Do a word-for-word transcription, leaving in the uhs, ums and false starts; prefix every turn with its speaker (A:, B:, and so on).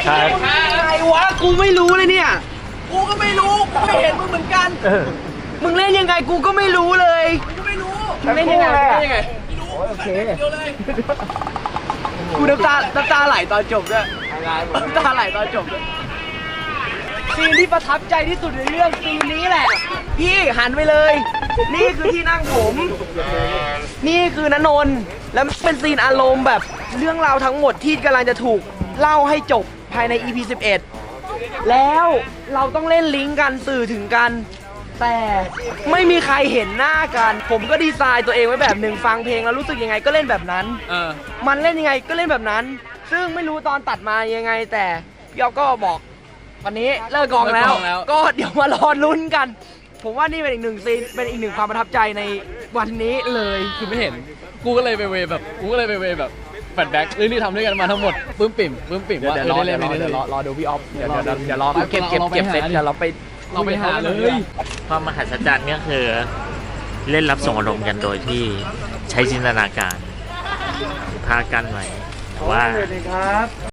A: ใช่ไงวะกูไม่รู้เลยเนี่ยกูก็ไม่รู้กูไม่เห็นมึงเหมือนกันมึงเล่นยังไงกูก็ไม่รู้เลยกูไม่รู้มึงเล่นยังไงเล่นยังไงไม่รู้โอเคกูน้ำตาน้ำตาไหลตอนจบด้วยน้ำตาไหลตอนจบด้วยซีนที่ประทับใจที่สุดในเรื่องซีนนี้แหละพี่หันไปเลย นี่คือที่นั่งผม นี่คือณนนท์แล้วเป็นซีนอารมณ์แบบเรื่องราวทั้งหมดที่กำลังจะถูกเล่าให้จบภายใน อี พี สิบเอ็ด แล้วเราต้องเล่นลิงก์กันสื่อถึงกัน แต่ไม่มีใครเห็นหน้ากัน ผมก็ดีไซน์ตัวเองไว้แบบหนึ่งฟังเพลงแล้วรู้สึกยังไงก็เล่นแบบนั้น
B: เออ
A: มันเล่นยังไงก็เล่นแบบนั้น ซึ่งไม่รู้ตอนตัดมายังไงแต่พี่อ๊อฟก็บอกวันนี้เลิกกองแล้ว ก็เดี๋ยวมารอลุ้นกัน ผมว่านี่เป็นอีกหนึ่งซีนเป็นอีกหนึ่งความประทับใจในวันนี้เลย
B: คือไม่เห็นกูก็เลยไปเวแบบกูก็เลยไปเวแบบแฟลชแบ็กเรื่องที่ทำด้วยกันมาทั้งหมดปลื้มปิ่มปลื้มปิ่มว่า
A: เดี๋ยว
B: เอ
A: ร
B: อ
A: อ
B: ได้
A: เดี๋
B: เล่
A: ยวน รอ
B: ได้
A: เดี๋ยวร
B: เล่
A: อน รอดูพี่อ๊อฟเดี๋ยว
B: เรา
A: เดี๋ยวเดี๋ยวรอเก็บเก็บ
B: เราไป
A: เก็บ
B: หา
A: เสร็จเดี๋ยวเราไป
B: เราไปหาเลย
C: ความมหัศจรรย์ก็คือเล่นรับส่งอารมณ์กันโดยที่ใช้จินตนาการพากันไว้แต่ว่า
A: สวัสดีครับ